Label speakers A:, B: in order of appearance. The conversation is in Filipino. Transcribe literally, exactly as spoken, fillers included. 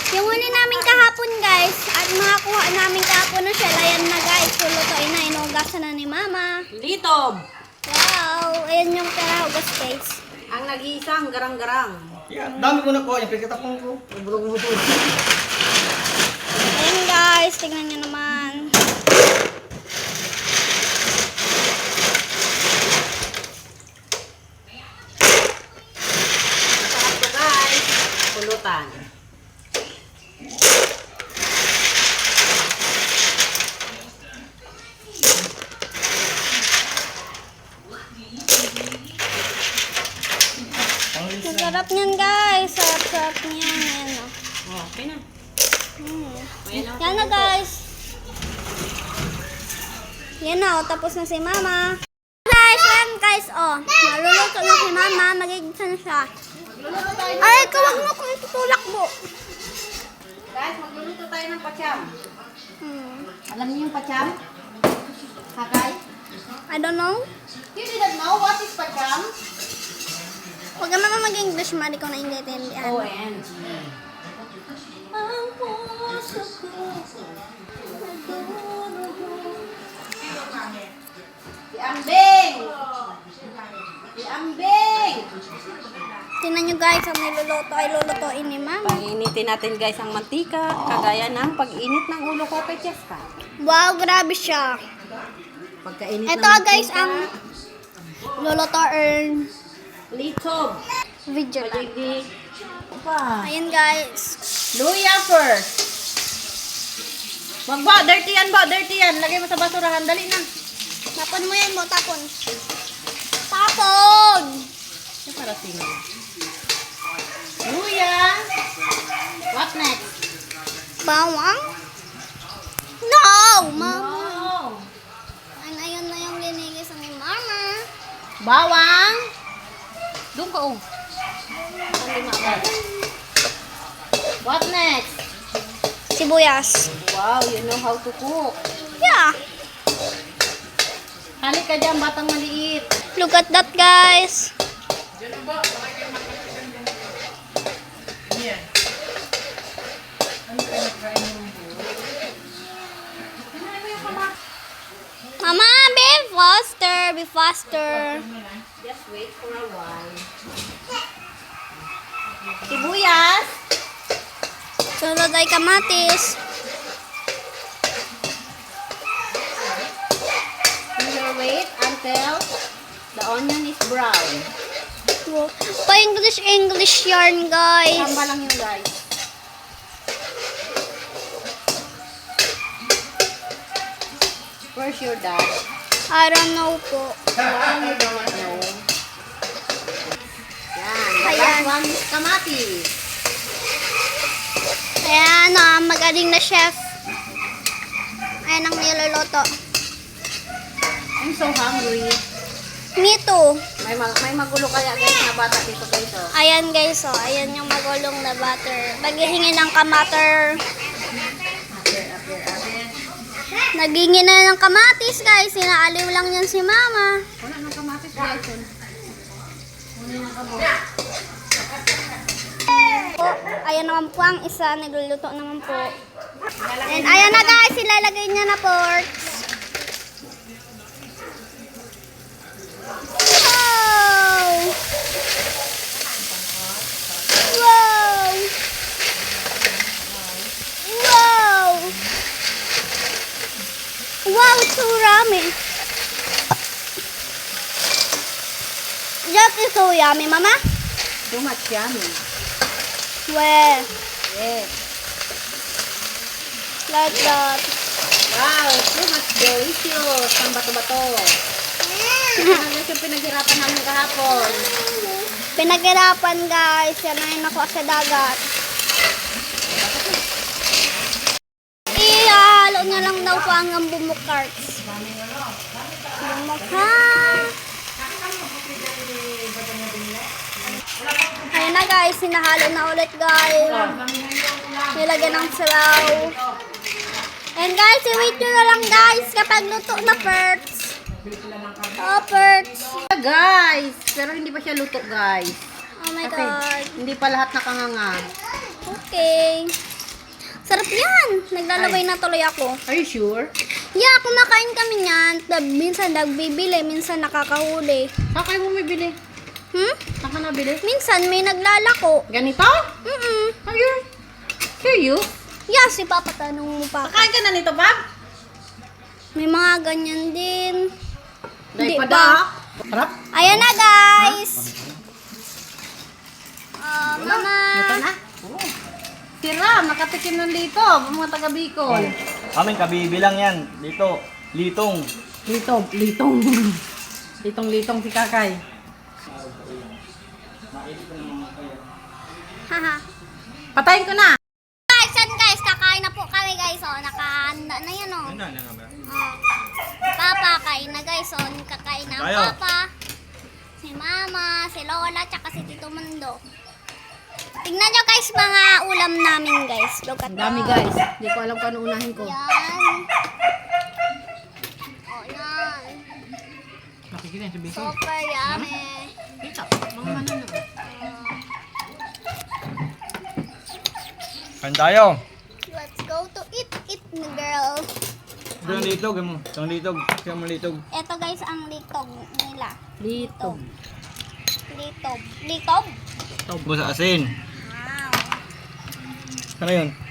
A: Yung huli namin kahapon guys, at makakuha namin kahapon na shell. Ayan na guys, lulutuin na. Inugasan na ni Mama.
B: Litob!
A: Wow, ayan yung perahugas guys.
B: Ang nag-iisang garang-garang.
C: Yeah, dami ko na ko. Yung pagkatapong ko.
A: Ayan guys, tingnan nyo naman.
B: Masarap to guys. Pulutan.
A: Masarap niyan guys. Sarap-sarap niyan. Ayan o.
B: Oh, okay na.
A: Hmm.
B: Ayan na.
A: Yan na guys. Yan na o. Tapos na si Mama. Guys, yan guys o. Maluluto na si Mama. Magigisa na siya. Ay, kawag mo kung itutulak mo.
B: Guys, magluluto tayo ng pacham.
A: Hmm.
B: Alam niyo yung pacham? Hakay?
A: I don't know.
B: You didn't know what is pacham?
A: Huwag ka naman mag-English, Mari, kung naiintindihan.
B: O N G. Si Ambing! Si Ambing!
A: Tingnan nyo guys, ang niluluto ay lulutuin ni Mama.
B: Pag-initin natin guys ang mantika, kagaya ng pag-init ng ulo ko kay Cheska.
A: Wow, grabe siya.
B: Pagkainit
A: Ito
B: ng
A: guys,
B: mantika,
A: ang lulutuin
B: litob.
A: video lang.
B: Pwede. Pa.
A: Ayan guys.
B: Luya first. Magba, dirty yan ba? Dirty yan. Lagay mo sa basurahan. Dali na.
A: Tapon mo yan mo, tapon. Tapon!
B: Ito para sino. Luya. What next?
A: Bawang? No! Mama.
B: Oh.
A: Ayun, ayun na yung linigis ni Mama.
B: Bawang. Doon ka oh. Ang lima ba? What next?
A: Sibuyas.
B: Wow, you know how to cook.
A: Yeah.
B: Halik ka dyan, batang maliit.
A: Look at that guys. Mama, be faster, be faster.
B: Just wait for a while. Sibuyas.
A: Sunod ay kamatis.
B: You will wait until the onion is brown.
A: Pa-English, English yarn guys.
B: Tamba lang yung guys. Where's your dad?
A: I don't know po.
B: Wow, you don't know. Yan. The
A: Ayan.
B: last one is kamatis.
A: Ayan, ah, magaling na chef. Ayan ang niluluto.
B: I'm so hungry.
A: Me too.
B: May, mag may magulo kaya guys na bata dito guys. Oh.
A: Ayan guys, oh. Ayan yung magulong na butter. Naghihingi ng kamater.
B: After, after, after.
A: Naghingi na ng kamatis guys. Sinaaliw lang yan si Mama.
B: Wala nang kamatis guys. Oh. Muna na kamo.
A: Po, ayan naman po ang isa. Nagluluto naman po. And ayan na guys. Ilalagay niya na porks. Wow! Wow! Wow! Wow, it's so yummy. That is so yummy, Mama.
B: Too much yummy.
A: Well,
B: Yes.
A: like that.
B: Wow, too much delicious. Ang bato-bato. Ito na guys yung pinaghirapan namin kahapon.
A: Pinaghirapan guys. Yan na yung nakuha sa dagat. Ihalo niya lang daw po ang bumukarts. Bumukha. Ayan na guys. Sinahalo na ulit guys. Nilagyan ng sabaw. And guys, i-wait nyo na lang guys kapag luto na perts. Oh, perts.
B: Guys, pero hindi pa siya luto guys.
A: Oh my
B: Kasi
A: God.
B: hindi pa lahat nakanganga.
A: Okay. Sarap yan. Naglalaway na tuloy ako.
B: Are you sure?
A: Yeah, kumakain kami niyan. Tab- Minsan nagbibili, minsan nakakahuli.
B: Saan kayo bumibili?
A: Hmm?
B: Saan ka nabili?
A: Minsan may naglalako.
B: Ganito?
A: Mm-mm.
B: Are you serious?
A: Yeah, si Papa tanong mo pa.
B: Kakain ka na nito, Bob?
A: May mga ganyan din.
B: Dahil
A: Di
B: pa
A: ba?
B: da. Harap?
A: Ayan na, guys. Ah, mama.
B: Ito na? Tira, nakatikim ng lito. Mga taga Bicol.
C: Aming kabibilang yan. Dito. Litong.
B: Litong, litong. Litong-litong si Kakay.
A: Haha.
B: Patayin ko na.
A: Guys, yan guys, kakain na po kami guys. Oh, nakahanda na yan oh. Oh. Papa, kain na guys. Oh, kakain na ang
C: Tayo.
A: Papa. Si Mama, si Lola, tsaka si Tito Mundo. Tingnan nyo guys mga ulam namin guys. Look at
B: Ang dami,
A: that.
B: guys. Hindi ko alam kung ano unahin ko.
A: Yan. Oh, yan.
B: Nakikita yung sa Bicol.
A: Super yummy.
B: Ito, mga ano na.
C: Kain tayo.
A: Let's go to eat, eat na girl.
C: Ito yung litog. Ito yung litog. Ito yung litog.
A: Ito guys ang litog nila.
B: Litong.
A: Litob. Litob?
C: Ito sa asin.
A: Wow.
C: Ano yun?